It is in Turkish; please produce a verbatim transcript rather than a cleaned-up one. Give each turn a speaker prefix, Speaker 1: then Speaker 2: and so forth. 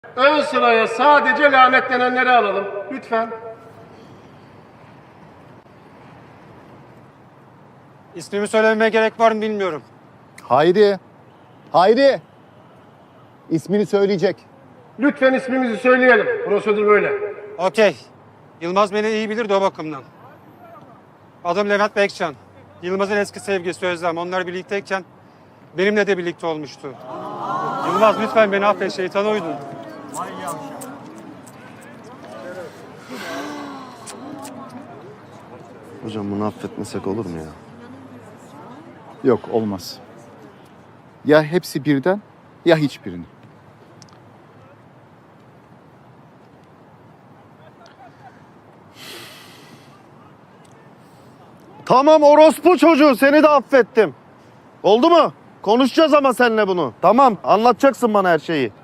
Speaker 1: Ön sıraya sadece lanetlenenleri alalım. Lütfen.
Speaker 2: İsmimi söylememe gerek var mı bilmiyorum.
Speaker 3: Hayri. Hayri. İsmini söyleyecek.
Speaker 1: Lütfen ismimizi söyleyelim. Prosedür böyle.
Speaker 2: Okey. Yılmaz beni iyi bilir de o bakımdan. Adım Levent Bekcan. Yılmaz'ın eski sevgilisi Özlem. Onlar birlikteyken benimle de birlikte olmuştu. Yılmaz lütfen beni affet, şeytana uydun.
Speaker 4: Hocam bunu affetmesek olur mu ya?
Speaker 3: Yok, olmaz. Ya hepsi birden ya hiçbirini.
Speaker 4: Tamam orospu çocuğu, seni de affettim. Oldu mu? Konuşacağız ama seninle bunu. Tamam, anlatacaksın bana her şeyi.